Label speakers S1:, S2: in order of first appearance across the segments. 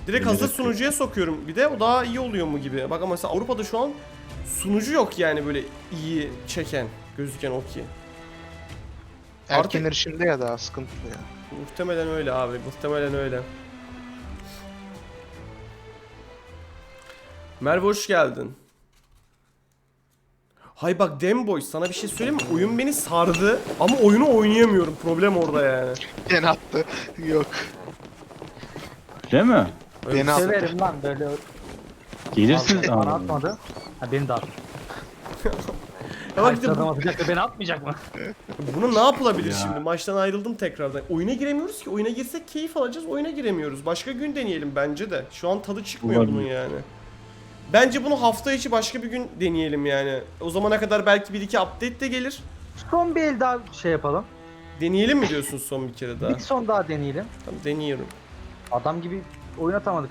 S1: Direkt hazır sunucuya sokuyorum bir de, o daha iyi oluyor mu gibi. Bak ama mesela Avrupa'da şu an sunucu yok yani böyle iyi çeken, gözüken o ki.
S2: Erken erişimde ya daha sıkıntılı ya.
S1: Muhtemelen öyle abi, muhtemelen öyle. Merve hoş geldin. Hay bak Demboy, sana bir şey söyleyeyim mi? Oyun beni sardı ama oyunu oynayamıyorum. Problem orada yani.
S2: Beni attı. Yok.
S3: Değil mi?
S2: Beni attı.
S4: Severim lan böyle.
S3: Gelirsiniz
S4: Bana
S3: ama.
S4: atmadı. Ha beni de attı.
S1: Ya bak işte
S4: Adam atacak da beni atmayacak mı?
S1: bunu ne yapılabilir
S3: Ya.
S1: şimdi? Maçtan ayrıldım tekrardan. Oyuna giremiyoruz ki. Oyuna girsek keyif alacağız. Oyuna giremiyoruz. Başka gün deneyelim bence de. Şu an tadı çıkmıyor
S3: Olabilir.
S1: bunun yani. Bence bunu hafta içi başka bir gün deneyelim yani. O zamana kadar belki bir iki update de gelir.
S4: Son bir el daha şey yapalım.
S1: Deneyelim mi diyorsun son bir kere daha?
S4: Bir son daha deneyelim.
S1: Tamam, deniyorum.
S4: Adam gibi oynatamadık.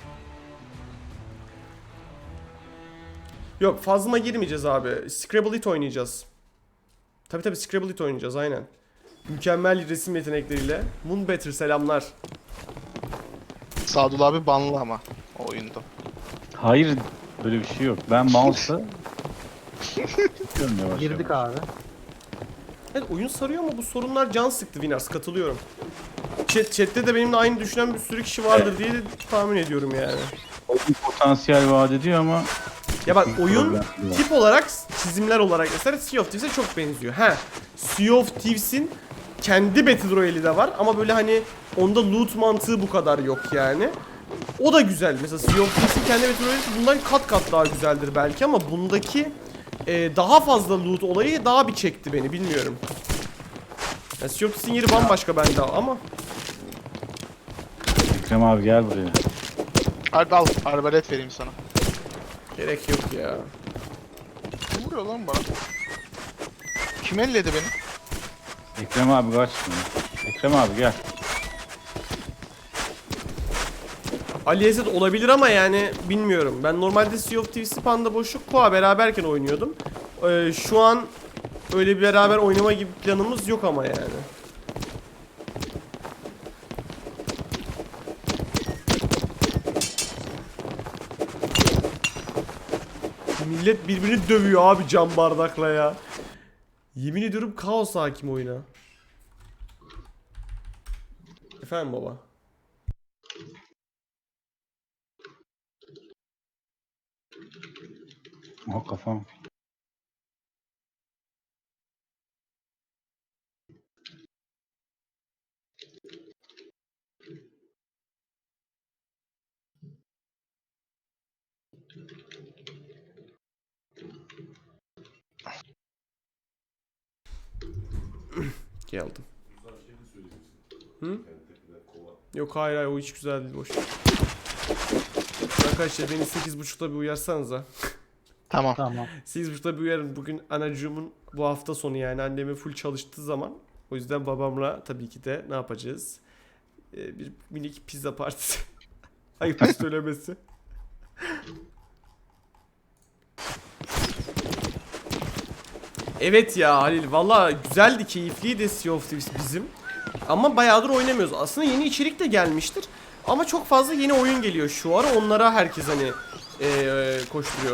S1: Yok, fazla girmeyeceğiz abi. Scrabble It oynayacağız. Tabi Scrabble It oynayacağız aynen. Mükemmel resim yetenekleriyle. Moonbetter selamlar.
S2: Sadullah abi banlı ama o oyunda.
S3: Hayır, böyle bir şey yok. Ben mouse'la Görmüyor yavaş
S4: Girdik
S3: yavaş.
S4: abi.
S1: Evet, oyun sarıyor ama bu sorunlar can sıktı Winners, katılıyorum. Chat'te de benimle aynı düşünen bir sürü kişi vardır diye de tahmin ediyorum yani.
S3: Oyun potansiyel vaat ediyor ama
S1: Ya bak
S3: teknik
S1: oyun
S3: problemleri var.
S1: tip olarak, çizimler olarak mesela Sea of Thieves'e çok benziyor. Sea of Thieves'in kendi Battle Royale'i de var ama böyle hani onda loot mantığı bu kadar yok yani. O da güzel. Mesela Sea of Thieves'in kendi Battle Royale'i bundan kat kat daha güzeldir belki ama bundaki daha fazla loot olayı daha bir çekti beni, bilmiyorum. Yani Sea of Thieves'in yeri bambaşka bende ama.
S3: Ekrem abi gel buraya.
S2: Hadi al, arbalet vereyim sana.
S1: Gerek yok ya.
S2: Kim vuruyor lan bana? Kim elledi beni?
S3: Ekrem abi kaç şimdi. Ekrem abi gel.
S1: Ali Esed olabilir ama yani bilmiyorum. Ben normalde Sea of Thieves'i Panda Boşluk Koa beraberken oynuyordum. Şu an öyle bir beraber oynama gibi planımız yok ama yani. Millet birbirini dövüyor abi cam bardakla ya. Yemin ediyorum kaos hakim oyuna. Efendim baba.
S3: Oh kafam.
S1: Geldim. Hı? Yok hayır o hiç güzel değil, boş. Arkadaşlar beni 8.30'da bir uyarsanıza.
S2: Tamam.
S4: Tamam.
S1: 8.30'da bir uyarın. Bugün anacığımın bu hafta sonu yani annemin full çalıştığı zaman. O yüzden babamla tabii ki de ne yapacağız? Bir minik pizza partisi. Ayıp söylemesi. Evet ya Halil, valla güzeldi, keyifliydi Sea of Thieves bizim. Ama bayağıdır oynamıyoruz. Aslında yeni içerik de gelmiştir. Ama çok fazla yeni oyun geliyor şu ara. Onlara herkes hani koşturuyor.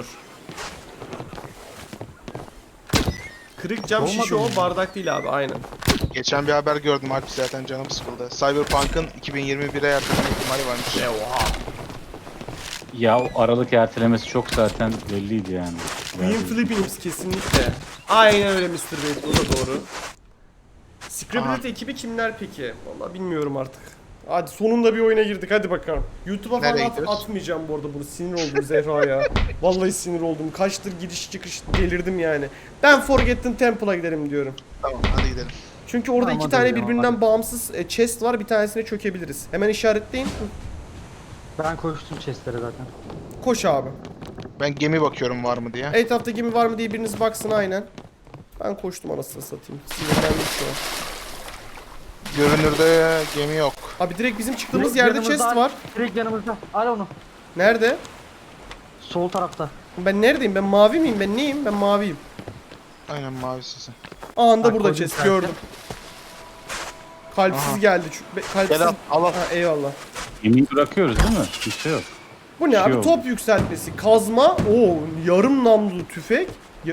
S1: Kırık cam
S4: Olmadı
S1: şişe
S4: mı?
S1: o, bardak değil abi, aynen.
S2: Geçen bir haber gördüm Alp, zaten canım sıkıldı. Cyberpunk'ın 2021'e erteleme ihtimali varmış.
S1: Oha.
S3: Ya o aralık ertelemesi çok zaten belliydi yani.
S1: Queen Philippines kesinlikle. Aynen öyle Mr. Bait, o da doğru. Scribblet ekibi kimler peki? Vallahi bilmiyorum artık. Hadi sonunda bir oyuna girdik, hadi bakalım. YouTube'a falan
S2: Nereye gidiyoruz?
S1: atmayacağım bu arada bunu, sinir oldum Zehra ya. Vallahi sinir oldum. Kaçtır giriş çıkış delirdim yani. Ben Forgotten Temple'a giderim diyorum.
S2: Tamam, hadi gidelim.
S1: Çünkü orada
S4: Tamam,
S1: iki
S4: hadi
S1: tane
S4: gidelim,
S1: birbirinden
S4: hadi.
S1: bağımsız chest var, bir tanesine çökebiliriz. Hemen işaretleyin.
S4: Ben koştum chestlere zaten.
S1: Koş abi.
S2: Ben gemi bakıyorum var mı diye.
S1: Etrafta gemi var mı diye biriniz baksın aynen. Ben koştum anasını satayım. Sinirlendim şu an.
S2: Görünürde gemi yok.
S1: Abi direkt bizim çıktığımız
S4: Direkt
S1: yerde
S4: yanımızda,
S1: chest var.
S4: Direkt yanımızda. Al onu.
S1: Nerede?
S4: Sol tarafta.
S1: Ben neredeyim? Ben mavi miyim? Ben neyim? Ben maviyim.
S2: Aynen, mavi sesi.
S1: Anında
S4: Bak,
S1: burada
S4: koydum
S1: chest
S4: zaten.
S1: gördüm. Kalpsiz
S2: Aha.
S1: geldi. Kalpsiz.
S2: Gel al, al al.
S1: Ha, eyvallah.
S3: Gemiyi bırakıyoruz değil mi? Bir şey yok.
S1: Bu ne
S3: Şey
S1: abi?
S3: oldu.
S1: Top yükseltmesi, kazma, yarım namlulu tüfek.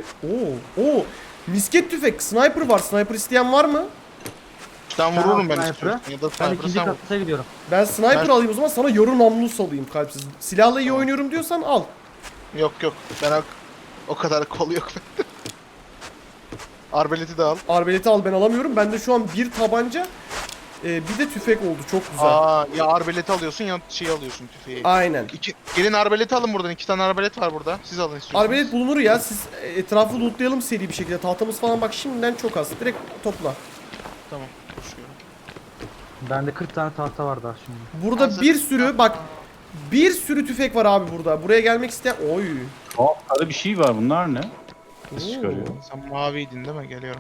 S1: Misket tüfek, sniper var. Sniper isteyen var mı?
S2: Ben vururum ben
S4: Sniper'ı.
S2: istiyorum. Ya da
S4: Ben
S2: sniper'ı
S4: ikinci
S2: sen vur.
S4: kata gidiyorum.
S1: Ben sniper
S2: Ben-
S1: alayım o zaman, sana yarım namlulu salayım kalpsiz. Silahla iyi oynuyorum diyorsan al.
S2: Yok yok. Ben o kadar kol yok. Arbeleti de al.
S1: Arbeleti al, ben alamıyorum. Bende şu an bir tabanca, bir de tüfek oldu. Çok güzel.
S2: Aa, ya arbeleti alıyorsun ya şey alıyorsun tüfeği.
S1: Aynen.
S2: Gelin arbeleti alın buradan. 2 tane arbalet var burada. Siz alın istiyorsanız.
S1: Arbelet bulunur ya. Siz etrafı lootlayalım seri bir şekilde. Tahtamız falan bak şimdiden çok az. Direkt topla.
S2: Tamam. Koşuyorum.
S4: Bende 40 tane tahta var daha şimdi.
S1: Burada
S2: Hazır.
S1: bir sürü bak, bir sürü tüfek var abi burada. Buraya gelmek isteyen... Oy.
S3: Sarı bir şey var, bunlar ne? Nasıl çıkarıyor?
S2: Sen maviydin değil mi? Geliyorum.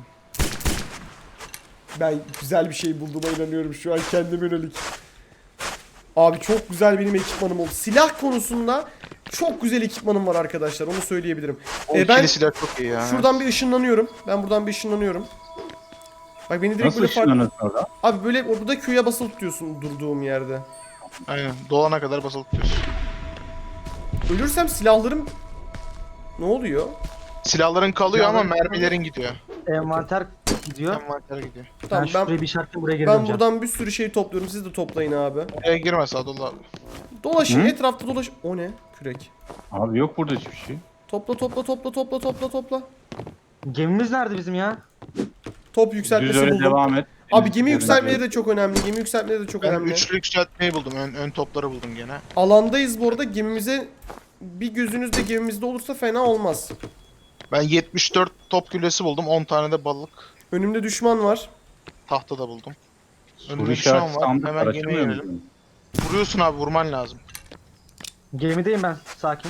S1: Ben güzel bir şey bulduğuma inanıyorum şu an kendime yönelik. Abi çok güzel benim ekipmanım oldu. Silah konusunda çok güzel ekipmanım var arkadaşlar. Onu söyleyebilirim.
S2: O
S1: ben
S2: ikili silah çok iyi ya.
S1: şuradan bir ışınlanıyorum. Ben buradan bir ışınlanıyorum. Bak beni direkt
S3: Nasıl
S1: böyle
S3: ışınlanıyorsun orada?
S1: Abi böyle burada Q'ya basılı tutuyorsun durduğum yerde.
S2: Aynen. Dolana kadar basılı tutuyorsun.
S1: Ölürsem silahlarım ne oluyor?
S2: Silahların kalıyor ama
S4: Silahların
S2: mermilerin gidiyor.
S4: Envanter gidiyor.
S2: Envantere gidiyor.
S1: Tamam
S4: Ben
S1: ben
S4: şuraya bir işaretle buraya geri
S1: ben
S4: döneceğim.
S1: buradan bir sürü şey topluyorum. Siz de toplayın abi.
S2: Oraya girme Sadullah abi.
S1: Dolaşın
S3: Hı?
S1: etrafta dolaş. O ne? Kürek.
S3: Abi yok burada hiçbir şey.
S1: Topla topla topla topla topla topla.
S4: Gemimiz nerede bizim ya?
S1: Top
S3: Düz
S1: yükseltmesi
S3: öyle
S1: buldum.
S3: devam et.
S1: Abi
S3: Deniz
S1: gemi
S3: üzerine
S1: yükseltmeleri
S3: gel.
S1: de çok önemli. Gemi yükseltmeleri de çok
S2: Ben
S1: önemli.
S2: üçlü yükseltmeyi buldum. Ön topları buldum gene.
S1: Alandayız bu arada. Gemimize bir gözünüz de gemimizde olursa fena olmaz.
S2: Ben 74 top güllesi buldum. 10 tane de balık.
S1: Önümde düşman var.
S2: Tahta da buldum.
S3: Soru
S2: Önümde düşman
S3: işareti
S2: var.
S3: sandık var,
S2: Hemen gemiye
S3: açılmıyor
S2: girelim.
S3: mu?
S2: Vuruyorsun abi, vurman lazım.
S4: Gemideyim ben. Sakin.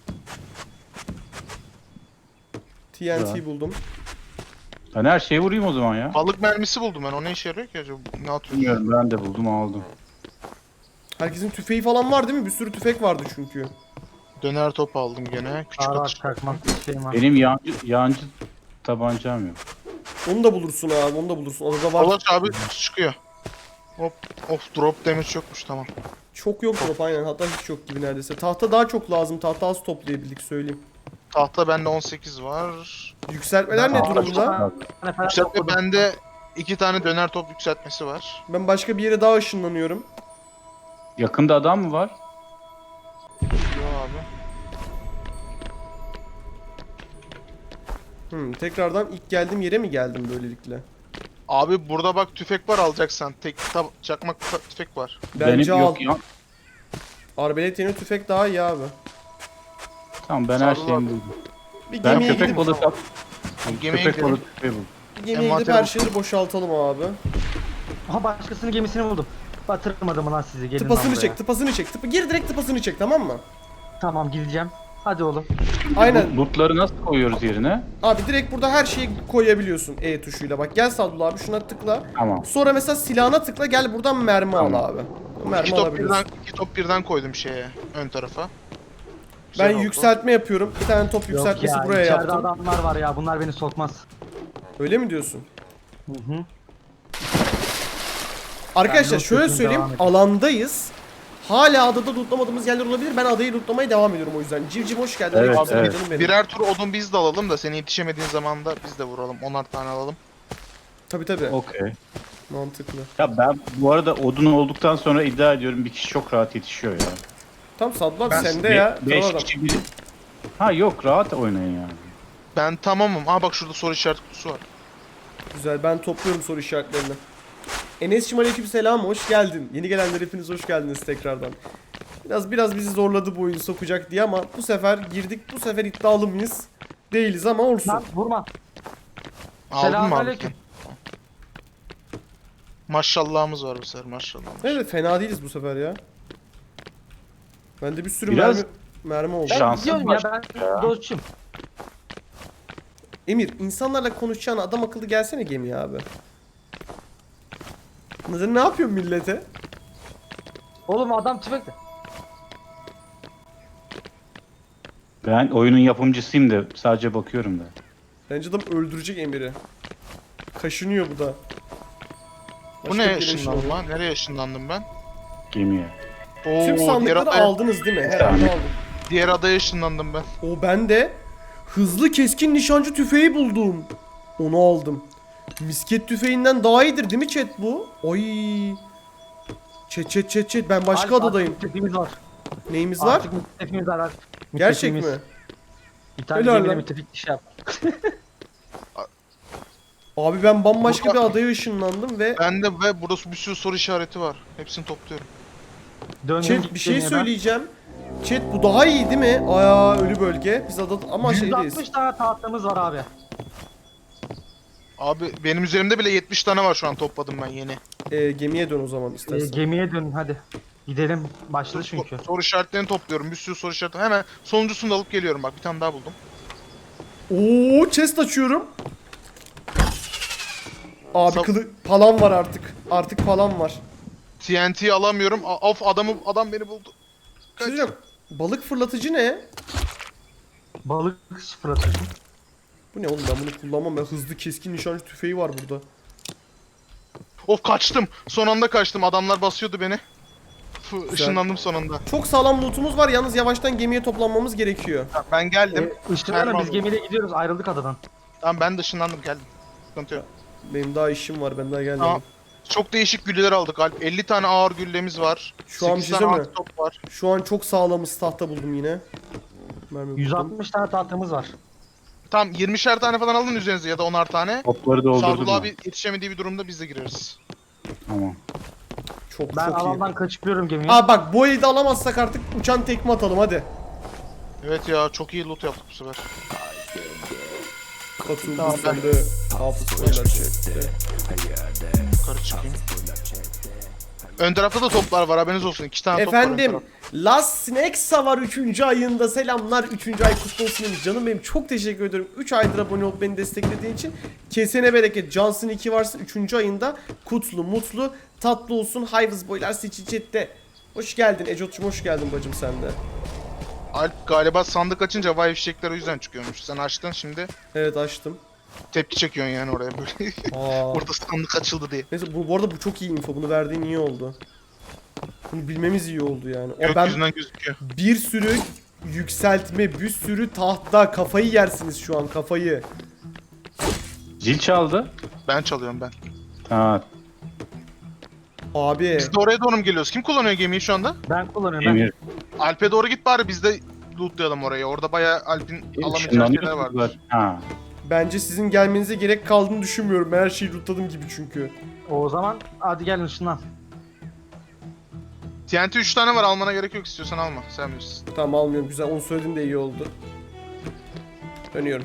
S1: TNT
S3: Güzel.
S1: buldum.
S3: Ben her şeyi vurayım o zaman ya.
S2: Balık mermisi buldum ben. O ne işe yarıyor ki acaba? Ne atıyorsun?
S3: Bilmiyorum, ben de buldum aldım.
S1: Herkesin tüfeği falan var değil mi? Bir sürü tüfek vardı çünkü.
S2: Döner top aldım gene. Küçük
S4: Ağır
S2: atış.
S4: çakmak bir şeyim var.
S3: Benim yancı tabancam yok.
S1: Onu da bulursun abi. Onu da bulursun. Orada var.
S2: Dolaş abi çıkıyor. Hop. Of, drop damage yokmuş, tamam.
S1: Çok yok drop aynen. Hatta hiç yok gibi neredeyse. Tahta daha çok lazım. Tahta az toplayabildik söyleyeyim.
S2: Tahta bende 18 var.
S1: Yükseltmeler ne
S3: Aa,
S1: durumda?
S4: Tane falan
S2: Yükseltme
S4: topladım.
S2: bende 2 tane döner top yükseltmesi var.
S1: Ben başka bir yere daha ışınlanıyorum.
S3: Yakında adam mı var?
S2: Yo abi.
S1: Tekrardan ilk geldiğim yere mi geldim böylelikle?
S2: Abi burada bak tüfek var, alacaksan. Çakmak tüfek var.
S1: Bence
S3: Benim
S1: al.
S3: yok ya.
S1: Arbelet yeni tüfek daha iyi abi.
S3: Tamam, ben her
S2: Sarılar.
S3: şeyimi buldum.
S1: Bir
S3: Ben
S1: gemiye
S3: köpek
S1: gidip,
S3: balığı at.
S2: Gemiye
S3: Köpek
S2: gidelim.
S3: balığı tüfeği buldum.
S1: bir gemiye gidip
S2: envanter
S1: her
S2: bul.
S1: şeyleri boşaltalım abi.
S4: Aha başkasının gemisini buldum. Batırmadım lan sizi. Gelin lan
S1: Tıpasını
S4: buraya.
S1: çek, tıpasını çek. Gir direkt tıpasını çek, tamam mı?
S4: Tamam gideceğim. Hadi oğlum.
S1: Aynen.
S3: Lootları nasıl koyuyoruz yerine?
S1: Abi direkt burada her şeyi koyabiliyorsun E tuşuyla. Bak gel Sadullah abi şuna tıkla.
S3: Tamam.
S1: Sonra mesela silahına tıkla, gel buradan mermi
S3: Tamam.
S1: al abi. Mermi
S2: İki top
S1: alabiliyorsun.
S2: birden, iki top birden koydum şeye, ön tarafa.
S1: Ben
S2: Güzel oldu.
S1: yükseltme yapıyorum. Bir tane top
S4: Yok
S1: yükseltmesi
S4: ya,
S1: buraya
S4: içeride
S1: yaptım.
S4: adamlar var ya. Bunlar beni sokmaz.
S1: Öyle mi diyorsun?
S4: Hı hı.
S1: Arkadaşlar
S4: Ben
S1: şöyle
S4: loot
S1: söyleyeyim,
S4: yapayım, devam
S1: alandayız. Hala adada lootlamadığımız yerler olabilir. Ben adayı lootlamaya devam ediyorum o yüzden. Civciv hoş geldin.
S3: Evet,
S1: Aleykümselam
S3: evet.
S1: canım benim.
S2: Birer tur odun biz de alalım da seni yetişemediğin zaman da biz de vuralım. 10'ar tane alalım.
S1: Tabii tabii.
S3: Okey.
S1: Mantıklı.
S3: Ya ben bu arada odun olduktan sonra iddia ediyorum bir kişi çok rahat yetişiyor ya.
S1: Tam Sadullah
S2: Ben-
S1: sende ya. Kral
S3: 5
S1: adam.
S3: kişi biri. Ha yok, rahat oynayın yani.
S2: Ben tamamım. Aa bak şurada soru işaret kutusu var.
S1: Güzel, ben topluyorum soru işaretlerini. Enes'cim aleykümselam, hoş geldin. Yeni gelenler hepiniz hoş geldiniz tekrardan. Biraz bizi zorladı bu oyunu sokacak diye ama bu sefer girdik. Bu sefer iddialı mıyız? Değiliz ama olsun.
S4: Lan vurma.
S2: Aldın mı abi?
S4: Selamünaleyküm.
S2: Maşallahımız var bu sefer, maşallah.
S1: Evet, fena değiliz bu sefer ya. Bende bir sürü
S3: Biraz-
S1: mermi oldu.
S4: Ben
S3: Şansın
S4: gidiyorum ya, ben dostçum.
S1: Emir, insanlarla konuşacağına adam akıllı gelsene gemiye abi. Sen ne yapıyorsun millete?
S4: Oğlum adam tüfekle.
S3: Ben oyunun yapımcısıyım da sadece bakıyorum da.
S1: Bence adam öldürecek Emir'i. Kaşınıyor bu da.
S2: Bu
S1: Başka
S2: ne
S1: bir yere
S2: ışınlanma?
S1: ışınlanıyor.
S2: Nereye ışınlandım ben?
S3: Gemiye.
S2: Oo,
S1: Tüm sandıkları aldınız değil mi? Herhalde aldım.
S2: Diğer adaya ışınlandım ben.
S1: O ben de hızlı keskin nişancı tüfeği buldum. Onu aldım. Misket tüfeğinden daha iyidir değil mi chat bu? Oy. Chat. Ben başka
S4: Alp,
S1: adadayım.
S4: artık müttefiğimiz var.
S1: Neyimiz var?
S4: Artık müttefiğimiz var. Alp.
S1: Gerçek mi?
S4: Müttefiğimiz. Bir tane
S1: Helal
S4: gemiyle
S1: lan.
S4: müttefik iş yap.
S1: Abi ben bambaşka
S2: Burada-
S1: bir adaya ışınlandım ve
S2: Bende ve burası bir sürü soru işareti var. Hepsini topluyorum.
S4: Döndüm
S1: chat bir şey
S4: gemiye ben.
S1: söyleyeceğim. Chat bu daha iyi değil mi? Aya ölü bölge. Biz ada ama şeydeyiz.
S4: 160 tane tahtamız var abi.
S2: Abi benim üzerimde bile 70 tane var şu an topladım ben yeni.
S1: Gemiye dön o zaman istersen.
S4: Gemiye dön hadi. Gidelim. Başladı çünkü.
S2: Soru işaretlerini topluyorum. Bir sürü soru işareti. Hemen sonuncusunu da alıp geliyorum bak. Bir tane daha buldum.
S1: Oo, chest açıyorum. Abi
S2: Sab-
S1: palam var artık. Artık palam var.
S2: TNT'yi alamıyorum. Of adam beni buldu.
S1: Bir şey söyleyeceğim. Balık fırlatıcı ne?
S4: Balık fırlatıyorsun.
S1: Bu ne oğlum, ben bunu kullanmam. Ben hızlı keskin nişancı tüfeği var burada.
S2: Of kaçtım. Son anda kaçtım. Adamlar basıyordu beni. Işınlandım son anda.
S1: Çok sağlam lootumuz var, yalnız yavaştan gemiye toplanmamız gerekiyor.
S2: Ben geldim.
S4: Işınlanın
S2: Mermi
S4: biz
S2: aldım.
S4: gemiyle gidiyoruz. Ayrıldık adadan.
S2: Tamam ben de ışınlandım geldim. Sıkıntı yok.
S1: Benim daha işim var, ben daha gelmedim.
S2: Tamam. Çok değişik güller aldık Alp. 50 tane ağır güllemiz var.
S1: Şu an bir
S2: 8
S1: şey
S2: tane
S1: söyleyeyim mi?
S2: top var.
S1: Şu an çok sağlamız tahta buldum yine. Mermi buldum.
S4: 160 tane tahtamız var.
S2: Tamam 20'şer tane falan alın üzerinize ya da 10'ar tane.
S3: Topları doldurdum
S2: Sadullah
S3: ben.
S2: abi yetişemediği bir durumda biz de gireriz.
S3: Tamam.
S1: Çok
S4: Ben
S1: çok iyi.
S4: alandan kaçıyorum gemiye.
S1: Aa bak, bu eli de alamazsak artık uçan tekme atalım hadi.
S2: Evet ya çok iyi loot yaptık bu sefer.
S1: Katıldı
S4: Tamam,
S1: sen de hafızlarla chatte.
S2: Yukarı çıkayım. Ön tarafta da toplar var haberiniz olsun. 2 tane top var ön
S1: Efendim,
S2: tarafta.
S1: Last Snacks'a var 3. ayında. Selamlar, 3. ay kutlu olsun demiş. Canım benim, çok teşekkür ediyorum. 3 aydır abone olup beni desteklediğin için. Kesene bereket. Johnson 2 varsın 3. ayında. Kutlu, mutlu, tatlı olsun. Hayvız boylar seçin chatte. Hoş geldin Ecot'cum, hoş geldin bacım sen de.
S2: Alp galiba sandık açınca vay fişekler o yüzden çıkıyormuş. Sen açtın şimdi
S1: Evet, açtım.
S2: tepki çekiyorsun yani oraya böyle.
S1: Aa.
S2: Orada sandık açıldı diye.
S1: Neyse, bu arada bu çok iyi info. Bunu verdiğin iyi oldu. Bunu bilmemiz iyi oldu yani. O ben
S2: Gökyüzünden gözüküyor.
S1: bir sürü yükseltme, bir sürü tahta, kafayı yersiniz şu an, kafayı.
S3: Zil çaldı.
S2: Ben çalıyorum ben.
S3: Ha,
S1: Abi.
S2: Biz de oraya doğru mu geliyoruz? Kim kullanıyor gemiyi şu anda?
S4: Ben kullanıyorum ben.
S3: Emir.
S2: Alp'e doğru git bari biz de lootlayalım orayı. Orada bayağı Alp'in alamayacağı şeyler var.
S3: Işınlanıyorsunuz. Ha.
S1: Bence sizin gelmenize gerek kaldığını düşünmüyorum. Ben her şeyi lootladım gibi çünkü.
S4: O zaman hadi gelin ışınlan.
S2: TNT 3 tane var almana gerek yok istiyorsan alma. Sen bilirsin.
S1: Tamam, almıyorum, güzel. Onu söyledin de iyi oldu. Dönüyorum.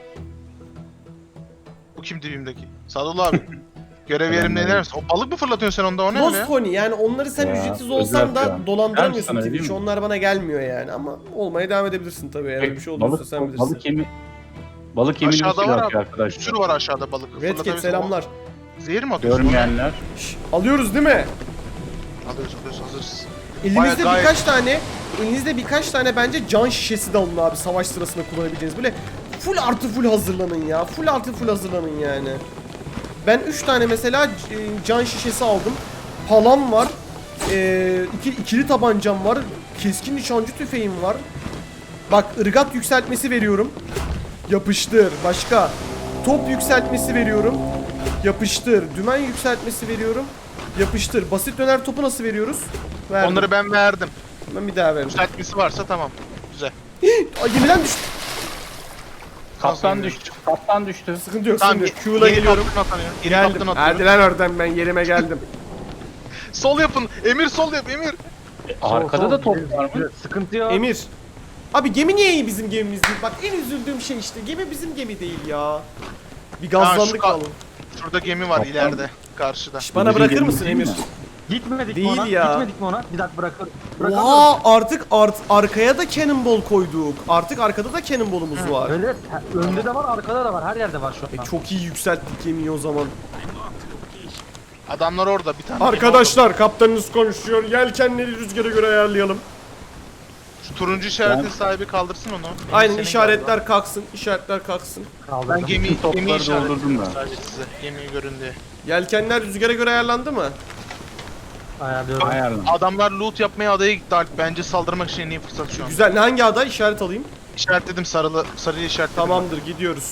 S2: Bu kim dibimdeki? Sadullah abi. Görev yerimde iner misin? O balık mı fırlatıyorsun sen onda o ne öyle?
S1: Lost Honey, yani onları sen
S3: Ya,
S1: ücretsiz olsan da
S3: özel ya.
S1: dolandıramıyorsun
S3: Ben sana
S1: Twitch.
S3: diyeyim mi?
S1: Onlar bana gelmiyor yani, ama olmaya devam edebilirsin tabii. Eğer öyle bir şey olursa sen bilirsin.
S3: Balık yemini
S2: Aşağıda
S3: nasıl
S2: var
S3: yapıyor
S2: abi. Bir
S3: arkadaşlar?
S2: sürü var aşağıda balık.
S1: Redcat
S2: Fırlatabilirsin.
S1: selamlar.
S2: Zehir mi atıyorsun?
S3: Görmeyenler.
S1: Şş, alıyoruz değil mi?
S2: Alıyoruz hazırız.
S1: Elinizde
S2: Bayağı
S1: elinizde birkaç tane bence can şişesi de alın abi, savaş sırasında kullanabileceğiniz. Böyle full artı full hazırlanın ya. Full artı full hazırlanın yani. Ben 3 tane mesela can şişesi aldım. Palam var. İkili tabancam var. Keskin nişancı tüfeğim var. Bak, ırgat yükseltmesi veriyorum. Yapıştır. Başka. Top yükseltmesi veriyorum. Yapıştır. Dümen yükseltmesi veriyorum. Yapıştır. Basit döner topu nasıl veriyoruz? Verdim.
S2: Onları ben verdim.
S1: Ben bir daha verdim.
S2: Yükseltmesi varsa tamam. Güzel.
S1: Ay, gemiden düştü.
S3: Kaptan düştü. Kaptan düştü.
S1: Sıkıntı yok.
S2: Tamam.
S1: Sıkıntı yok. Q'la geliyorum. Geldim.
S2: Hadi.
S1: Hadi lan oradan, ben yerime geldim.
S2: Sol yapın. Emir sol yap Emir.
S3: Arkada
S4: Sol,
S3: da top
S4: gideriz,
S3: var mı?
S4: gideriz. Sıkıntı yok.
S1: Emir. Abi gemi niye iyi bizim gemimiz değil? Bak, en üzüldüğüm şey işte. Gemi bizim gemi değil ya. Bir gazlandık
S2: Ha, şu
S1: vallahi.
S2: Şurada gemi var
S3: Kaptan.
S2: ileride. Karşıda.
S1: Şş, bana
S3: Bizim
S1: bırakır
S3: gemimiz
S1: mısın
S3: değil
S1: Emir?
S3: mi?
S4: Gitmedik
S1: Değil
S4: mi ona?
S1: ya.
S4: Gitmedik mi ona? Bir dakika bırakıyorum. Bırakalım.
S1: Oha, artık arkaya da cannonball koyduk. Artık arkada da cannonball'umuz var.
S4: Öyle önde de var, arkada da var. Her yerde var şu an.
S1: Çok iyi yükselttik gemiyi o zaman.
S2: Adamlar orada bir tane.
S1: Arkadaşlar, kaptanınız konuşuyor. Yelkenleri rüzgara göre ayarlayalım.
S2: Şu turuncu işaretin
S3: Ben-
S2: sahibi kaldırsın onu.
S1: Aynen,
S2: Senin
S1: işaretler kalksın. İşaretler kalksın.
S2: galiba.
S4: Kaldırdım.
S2: Ben gemi
S3: Bütün topları
S2: işaretledim
S3: doldurdum ben.
S2: sadece size. Gemiyi görün diye.
S1: Yelkenler rüzgara göre ayarlandı mı?
S4: Ayarlıyorum.
S3: Ayarlan.
S2: Adamlar loot yapmaya adaya gitti Alp. Bence saldırmak için en iyi fırsat şu an.
S1: Güzel. Hangi aday? İşaret alayım.
S2: İşaretledim sarıyı işaretledim.
S1: Tamamdır, gidiyoruz.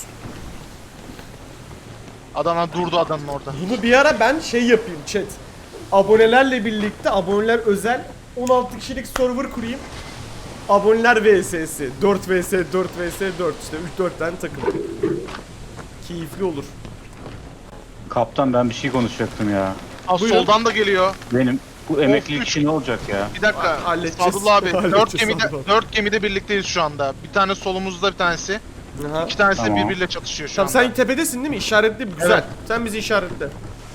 S2: Adamlar durdu adanın orada.
S1: Bunu bir ara ben şey yapayım chat. Abonelerle birlikte, aboneler özel 16 kişilik server kurayım. Aboneler vs'si. 4 vs 4 vs 4 işte 3-4 tane takım. Keyifli olur.
S3: Kaptan ben bir şey konuşacaktım ya.
S2: Aa,
S1: Buyurun.
S2: soldan da geliyor.
S3: Benim bu emeklilik
S2: üç.
S3: işi ne olacak ya?
S2: Bir dakika.
S1: Halledeceğiz.
S2: Sadullah abi.
S1: Halledeceğiz Sadullah.
S2: 4 gemide birlikteyiz şu anda. Bir tane solumuzda bir tanesi.
S1: Aha.
S2: İki tanesi
S3: Tamam.
S2: birbiriyle çatışıyor şu
S1: Tamam
S2: anda.
S1: sen tepedesin değil mi? İşaretli güzel.
S2: Evet.
S1: Sen bizi işaretle.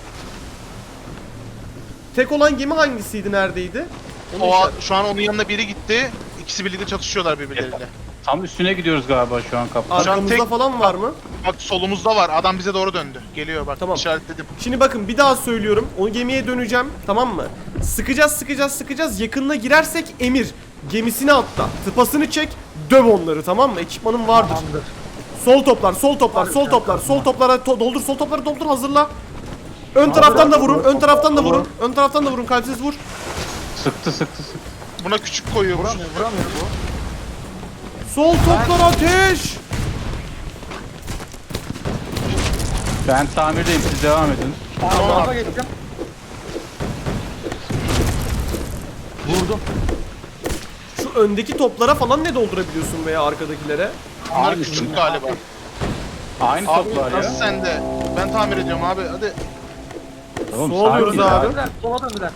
S1: Tek olan gemi hangisiydi, neredeydi? Onu işaret-
S2: Şu an onun yanına biri gitti. İkisi birlikte çatışıyorlar birbirleriyle.
S3: Tam üstüne gidiyoruz galiba şu an kaptan.
S2: Şu an
S1: Arkamızda
S2: tek-
S1: falan var mı?
S2: Bak solumuzda var. Adam bize doğru döndü. Geliyor bak.
S1: Tamam.
S2: İşaretledim.
S1: Şimdi bakın bir daha söylüyorum. O gemiye döneceğim. Tamam mı? Sıkacağız. Yakınına girersek emir. Gemisini atla. Tıpasını çek. Döv onları, tamam mı? Ekipmanın vardır.
S4: Tamamdır.
S1: Sol toplar. Sol toplara doldur. Sol topları doldur, hazırla. Ön taraftan da vurun. Ön taraftan da vurun. Kalpsiz vur.
S3: Sıktı.
S2: Buna küçük koyuyormuş.
S4: Vuramıyor bu.
S1: Sol toplar ateş.
S3: Ben tamirdeyim, siz devam edin.
S4: Tamam. Tarafa geçtim. Vurdum.
S1: Şu öndeki toplara falan ne doldurabiliyorsun veya arkadakilere?
S2: Bunlar
S3: Aynı
S2: küçük
S3: şey.
S2: galiba.
S3: Aynı
S2: Abi
S3: toplar ya.
S2: nasıl sende? Ben tamir ediyorum abi. Hadi.
S3: Oğlum,
S1: Su alıyoruz
S3: sakin ya.
S1: abi.
S4: Döndüler. Sola döndüler.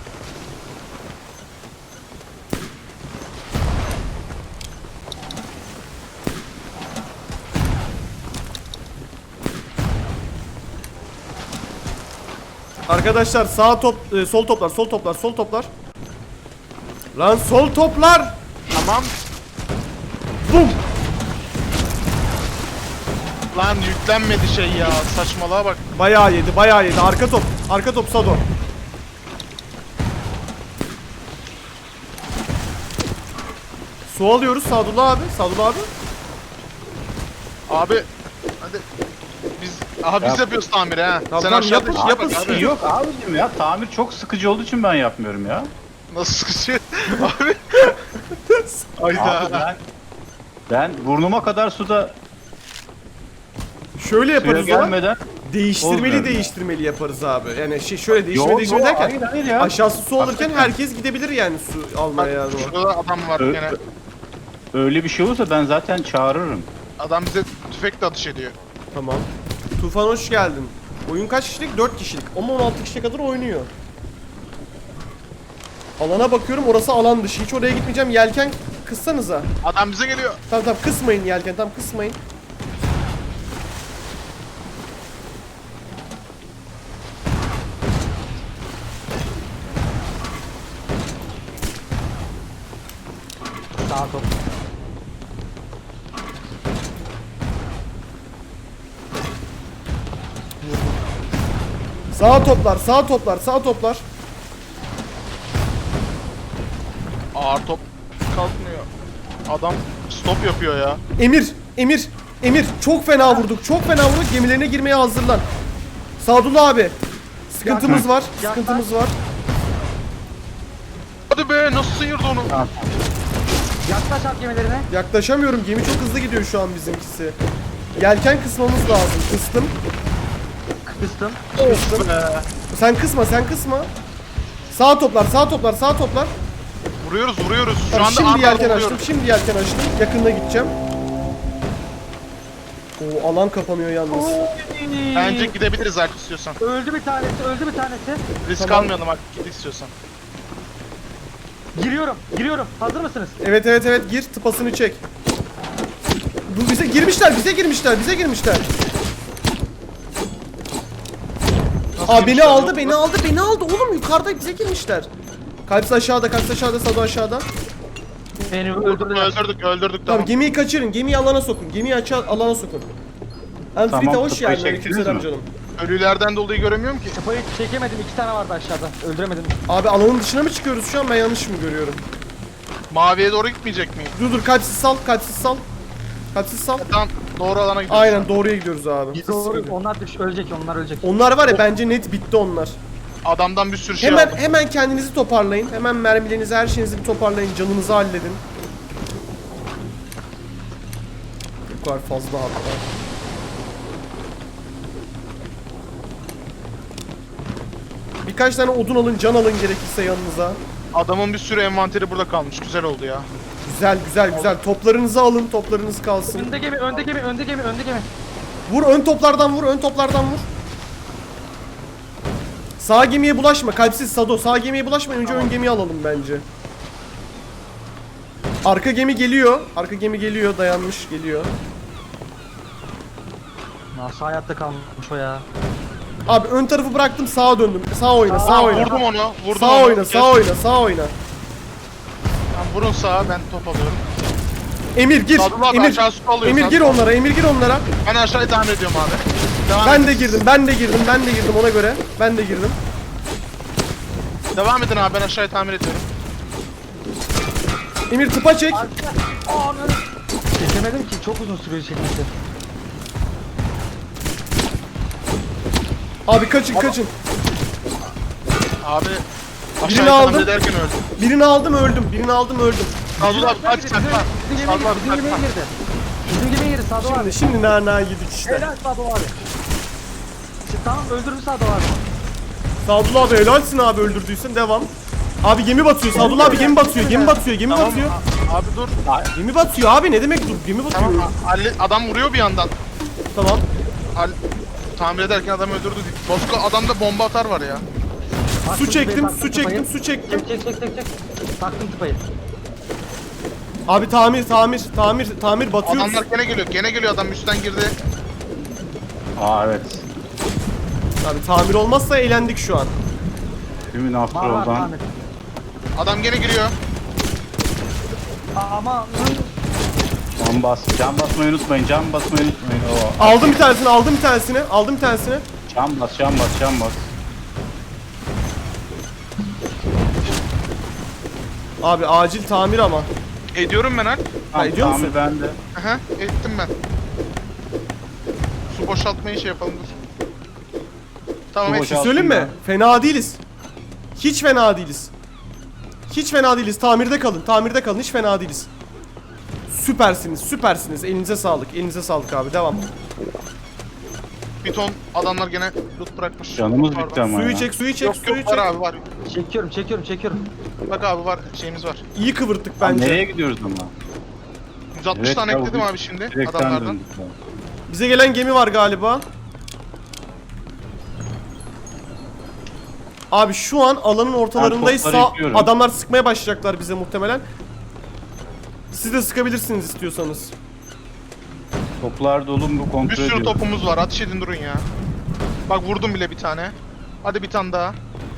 S1: Arkadaşlar sol toplar. Lan sol toplar.
S2: Tamam.
S1: Bum.
S2: Lan yüklenmedi şey ya. Saçmalığa bak.
S1: Bayağı yedi. Arka top Sado. Su alıyoruz Sadullah abi.
S2: Abi. Hadi. Biz
S3: Yap.
S2: yapıyoruz tamiri ha.
S1: Tamam,
S2: aşağıda
S1: yapın,
S2: işte
S1: yapın.
S2: bak
S3: Şey
S2: abi.
S3: yok abicim ya, tamir çok sıkıcı olduğu için ben yapmıyorum ya.
S2: Nasıl sıkışıyor? Abi. Hayda.
S3: Abi ben burnuma kadar suda
S1: Şöyle
S3: suya
S1: yaparız o.
S3: gelmeden... Olmuyor.
S1: Değiştirmeli yaparız abi. Yani şöyle
S3: Yok,
S1: değiştirmeli derken
S3: hayır ya.
S1: aşağısı su alırken
S3: Hakikaten.
S1: herkes gidebilir yani su almaya yani.
S2: Şurada adam var
S3: Ö-
S2: gene.
S3: Öyle bir şey olursa ben zaten çağırırım.
S2: Adam bize tüfekle atış ediyor.
S1: Tamam. Tufan hoş geldin. Oyun kaç kişilik? 4 kişilik. Ama 16 kişiye kadar oynuyor. Alana bakıyorum, orası alan dışı. Hiç oraya gitmeyeceğim. Yelken kıssanıza.
S2: Adam bize geliyor.
S1: Tamam kısmayın yelken. Tamam kısmayın.
S4: Sağ top.
S1: Sağ toplar.
S2: Ağır top kalkmıyor. Adam stop yapıyor ya.
S1: Emir. Çok fena vurduk. Gemilerine girmeye hazırlan. Sadullah abi. Sıkıntımız var.
S2: Hadi be nasıl sıyırdı onu?
S4: Yaklaş at gemilerine.
S1: Yaklaşamıyorum. Gemi çok hızlı gidiyor şu an bizimkisi. Yelken kısmamız lazım. Kıstım.
S4: Kıstım.
S1: Sen kısma. Sağ toplar.
S2: Vuruyoruz. Şu
S1: Tamam,
S2: anda
S1: şimdi
S2: arkadan
S1: yelken
S2: vuruyoruz.
S1: açtım. Yakınına gideceğim. O alan kapanıyor yalnız.
S2: Bence gidebiliriz Alp istiyorsan.
S4: Öldü bir tanesi.
S2: Risk
S1: Tamam.
S2: almayalım Alp git istiyorsan.
S4: Giriyorum. Hazır mısınız?
S1: Evet gir, tıpasını çek. Bu bize girmişler. Aa beni aldı. Oğlum yukarıda bize girmişler. Kalps aşağıda, Sado aşağıda.
S4: Beni öldürdüler.
S2: Öldürdük
S1: Tamam
S2: tamam.
S1: gemiyi kaçırın. Gemiyi alana sokun. alana sokun. Anfrita
S3: Tamam,
S1: hoş
S3: tıpayı
S1: geldin.
S3: çektiniz
S1: Aleykümselam
S3: mi?
S1: canım.
S2: Ölülerden dolayı göremiyorum ki.
S4: Kafayı çekemedim. 2 tane vardı aşağıda. Öldüremedim.
S1: Abi alanın dışına mı çıkıyoruz şu an? Ben yanlış mı görüyorum?
S2: Maviye doğru gitmeyecek miyim?
S1: Dur kalpsiz sal.
S2: Tamam doğru alana gidiyoruz.
S1: Aynen doğruya gidiyoruz abi.
S4: Doğru. Onlar ölecek.
S1: Onlar var ya bence net bitti onlar.
S2: Adamdan bir sürü şey
S1: Hemen
S2: aldım.
S1: hemen kendinizi toparlayın. Hemen mermilerinizi, her şeyinizi bir toparlayın. Canınızı halledin. Bu kadar fazla hatta. Birkaç tane odun alın, can alın gerekirse yanınıza.
S2: Adamın bir sürü envanteri burada kalmış. Güzel oldu ya.
S1: Güzel güzel güzel. Toplarınızı alın, toplarınız kalsın.
S4: Önde gemi, önde gemi, önde gemi, önde gemi.
S1: Vur, ön toplardan vur, ön toplardan vur. Sağ gemiye bulaşma, kalpsiz Sado. Sağ gemiye bulaşma, önce ön gemiyi alalım bence. Arka gemi geliyor. Arka gemi geliyor, dayanmış geliyor.
S4: Nasıl hayatta kalmış o ya?
S1: Abi ön tarafı bıraktım, sağa döndüm. Sağ oyna, sağ
S2: Aa,
S1: oyna.
S2: vurdum onu. Vurdum
S1: Sağ
S2: onu.
S1: oyna, sağ oyna, sağ oyna.
S2: Tamam, vurun sağa, ben top alıyorum.
S1: Emir gir.
S2: Sadullah abi
S1: Emir.
S2: aşağı su alıyor.
S1: Emir gir onlara, Emir gir onlara.
S2: Ben aşağıya tamir ediyorum abi. Devam
S1: Ben
S2: edin.
S1: de girdim, ben de girdim, ben de girdim ona göre. Ben de girdim.
S2: Devam edin abi, ben aşağıya tamir ediyorum.
S1: Emir tıpa çek.
S4: Çekemedim ki, çok uzun sürüyor çekmesi.
S1: Abi kaçın, kaçın.
S2: Abi
S1: Birini
S2: aşağıya
S1: aldım.
S2: tamir ederken öldüm.
S1: Birini aldım, öldüm. Birini aldım, öldüm.
S2: Sadullah abi kaç sakla.
S4: Bizim gemiye
S2: Sadullah
S4: girdi,
S2: abi
S4: bizim
S2: sakla.
S4: gemiye girdi. Bizim gemiye girdi Sado abi.
S1: Şimdi nana yedik işte.
S4: Helal Sado abi. İşte tamam, öldürdü Sado abi.
S1: Sadullah abi helalsin abi, öldürdüysen devam. Abi gemi batıyor, Sadullah abi gemi batıyor, gemi batıyor, gemi
S2: Tamam
S1: batıyor.
S2: abi dur.
S1: Gemi batıyor abi, ne demek dur, gemi batıyor.
S2: Tamam adam vuruyor bir yandan.
S1: Tamam.
S2: Tamir ederken adam öldürdü. Bosko adamda bomba atar var ya.
S1: Su çektim,
S4: Taktım
S1: su çektim,
S4: tıpayı.
S1: su çektim.
S4: Çek. Taktım tıpayı.
S1: Abi tamir batıyor.
S2: Adamlar gene geliyor adam üstten girdi.
S3: Aa evet.
S1: Abi tamir olmazsa eğlendik şu an.
S3: Tümün
S4: Var
S3: Afterol'dan.
S4: Ahmet.
S2: Adam gene giriyor.
S4: Ama
S3: Can basmayı unutmayın. Can basmayı unutmayın. Oo.
S1: Aldım bir tanesini, aldım bir tanesini, aldım bir tanesini.
S3: Can bas.
S1: Abi acil tamir ama.
S2: Ediyorum ben
S1: Ha, ediyor musun?
S3: Tamir bende.
S2: Aha ettim ben. Su boşaltmayı şey yapalım dur. Tamam
S3: Su
S2: et.
S3: boşalt-
S1: Söyleyeyim mi?
S3: ya.
S1: Fena değiliz. Hiç fena değiliz. Hiç fena değiliz. Tamirde kalın. Tamirde kalın. Hiç fena değiliz. Süpersiniz. Süpersiniz. Elinize sağlık. Elinize sağlık abi. Devam.
S2: Bir ton adamlar gene loot bırakmış.
S3: Canımız
S2: Pardon.
S3: bitti ama
S1: Suyu
S3: ya.
S1: çek, suyu çek,
S2: Yok
S1: suyu
S2: yok var
S1: çek.
S2: abi var.
S4: çekiyorum.
S2: Bak abi var şeyimiz var.
S1: İyi kıvırttık
S3: Lan
S1: bence.
S3: nereye gidiyoruz ama?
S2: 160
S3: Evet,
S2: tane
S3: ya,
S2: ekledim
S3: bu-
S2: abi şimdi
S3: Direkten
S2: adamlardan.
S3: döndük ya.
S1: Bize gelen gemi var galiba. Abi şu an alanın ortalarındayız.
S3: Ben topları
S1: Sağ,
S3: yıkıyorum.
S1: adamlar sıkmaya başlayacaklar bize muhtemelen. Siz de sıkabilirsiniz istiyorsanız.
S3: Toplar dolu mu kontrol
S2: Bir sürü
S3: ediyorum.
S2: topumuz var. Ateş edin durun ya. Bak vurdum bile bir tane. Hadi bir tane daha.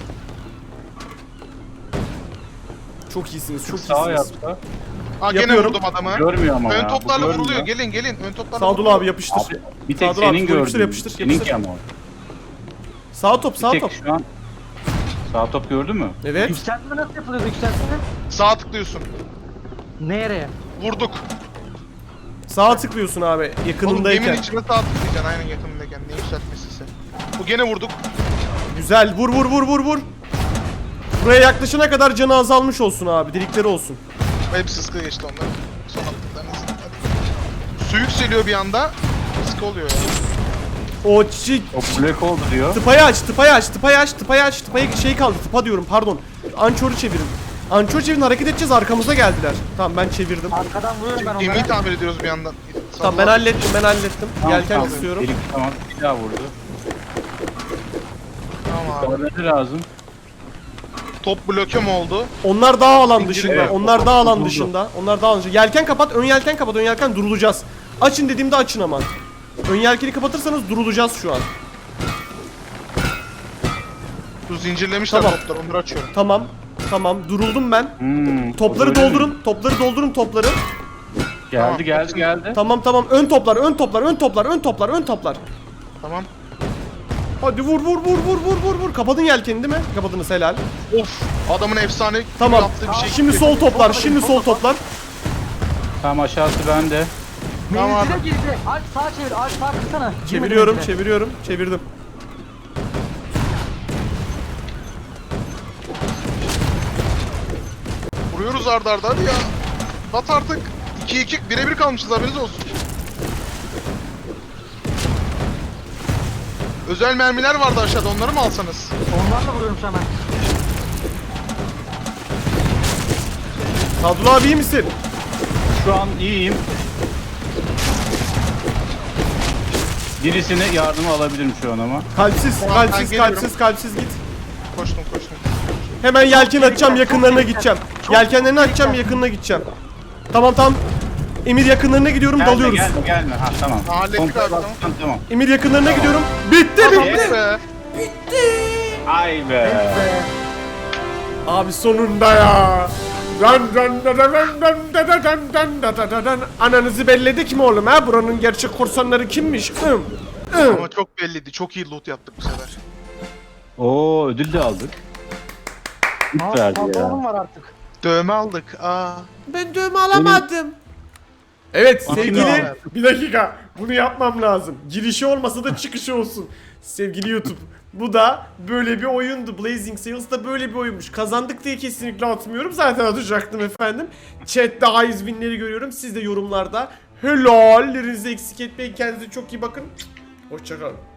S1: Çok iyisiniz, çok
S3: Sağ
S1: iyisiniz.
S3: yapsa.
S2: Aa gene
S1: Yapıyorum.
S2: vurdum adamı.
S3: Görmüyor ama
S2: Ön
S3: ya.
S2: toplarla
S3: bu görmüyor.
S2: vuruluyor. Gelin. Ön toplarla
S1: Sadullah
S2: vuruluyor.
S1: abi yapıştır.
S3: Abi bir tek
S1: Sadullah abi,
S3: senin
S1: yapıştır,
S3: gördüğün.
S1: yapıştır,
S3: Seninki
S1: yapıştır.
S3: ama o.
S1: Sağ top, sağ
S3: Bir
S1: top.
S3: tek şu an. Sağ top gördün mü?
S1: Evet.
S4: Yükseltme nasıl yapılıyordu yükseltme?
S2: Sağa tıklıyorsun.
S4: Nereye?
S2: Vurduk.
S1: Sağa tıklıyorsun abi
S2: Oğlum geminin
S1: yakınındayken.
S2: içine sağ tıklayacaksın aynen yakınındayken. Ne yükseltmesiyse. Bu gene vurduk.
S1: Güzel. Vur vur vur vur vur. Buraya yaklaşana kadar canı azalmış olsun abi. Delikleri olsun.
S2: Hepsi sıkı geçti onlar. Son attıklarınız. Su yükseliyor bir anda. Sıkı oluyor ya.
S1: O çiçek.
S3: O black oldu diyor.
S1: Tıpayı aç, tıpayı aç, tıpayı aç, tıpayı aç. Tıpayı şey kaldı. Tıpa diyorum pardon. Ançoru çevirin. Ançoru çevirin, hareket edeceğiz, arkamıza geldiler. Tamam ben çevirdim.
S4: Arkadan vuruyorum ben
S2: Gemiyi
S4: onlara.
S2: tamir ediyoruz bir yandan.
S1: Tamam ben hallettim, ben hallettim.
S3: Tamam,
S1: Yelken
S3: tamam.
S1: istiyorum.
S3: Delik, tamam bir daha vurdu.
S2: Tamam abi.
S3: Bana ne lazım?
S2: Top bloke mi oldu?
S1: Onlar daha alan
S2: Zincir-
S1: dışında.
S3: Evet,
S1: Onlar daha alan
S3: duruldu.
S1: dışında. Onlar daha alan dışında. Yelken kapat, ön yelken kapat, ön yelken durulacağız. Açın dediğimde açın aman. Ön yelkeni kapatırsanız durulacağız şu an.
S2: Şu zincirlemişler
S1: Tamam.
S2: topları onları açıyorum.
S1: Tamam. Tamam duruldum ben. Topları
S3: öyle mi?
S1: doldurun. Topları doldurun topları.
S3: Geldi
S2: Tamam,
S3: geldi
S2: hepsini-
S3: geldi.
S1: Tamam tamam. Ön toplar, ön toplar, ön toplar, ön toplar, ön toplar.
S2: Tamam.
S1: Hadi vur vur vur vur vur vur vur. Kapadın yelkeni değil mi? Kapadınız helal.
S2: Of adamın efsane
S1: Tamam.
S2: yaptığı bir şey.
S1: Şimdi sol toplar, şimdi sol toplar.
S3: Tamam aşağısı bende.
S2: Tamam
S4: Menzile
S2: abi.
S4: girdi. Alp sağa çevir. Alp sağa kırsana.
S1: Çeviriyorum,
S4: Girmedi menzile.
S1: çeviriyorum, çevirdim.
S2: atıyoruz arda arda hadi ya. At artık. 2-2 birebir kalmışız haberiniz olsun. Özel mermiler vardı aşağıda onları mı alsanız?
S4: Onlarla vuruyorum şu an ben.
S1: Sadullah abi iyi misin?
S3: Şu an iyiyim. Birisine yardıma alabilirim şu an ama.
S1: Kalpsiz,
S2: Tamam, ben
S1: kalpsiz,
S2: geliyorum.
S1: kalpsiz, kalpsiz git.
S2: Koştum.
S1: Hemen yelken açacağım, yakınlarına gideceğim. Yelkenlerini açacağım, yakınına gideceğim. Tamam. Emir yakınlarına gidiyorum, dalıyoruz.
S3: Gelme. Ha tamam.
S2: Hallettik
S3: Kontrol
S2: abi, tamam.
S3: alttan, tamam.
S1: Emir yakınlarına gidiyorum. Bitti.
S2: Yes be.
S3: Ay be.
S1: Abi sonunda ya. Ananızı belledik mi oğlum ha? Buranın gerçek korsanları kimmiş?
S2: Ama çok belliydi. Çok iyi loot yaptık bu sefer.
S3: Oo ödül de aldık. Hiç verdi ya.
S4: Pantolonum var artık.
S2: Dövme aldık.
S1: Ben dövme alamadım. Evet
S3: Bakayım
S1: sevgili
S2: abi.
S1: bir dakika bunu yapmam lazım. Girişi olmasa da çıkışı olsun. Sevgili YouTube bu da böyle bir oyundu. Blazing Sails da böyle bir oyunmuş. Kazandık diye kesinlikle atmıyorum. Zaten atacaktım efendim. Chat'te high win'leri görüyorum. Siz de yorumlarda helallerinizi eksik etmeyin. Kendinize çok iyi bakın. Hoşçakalın.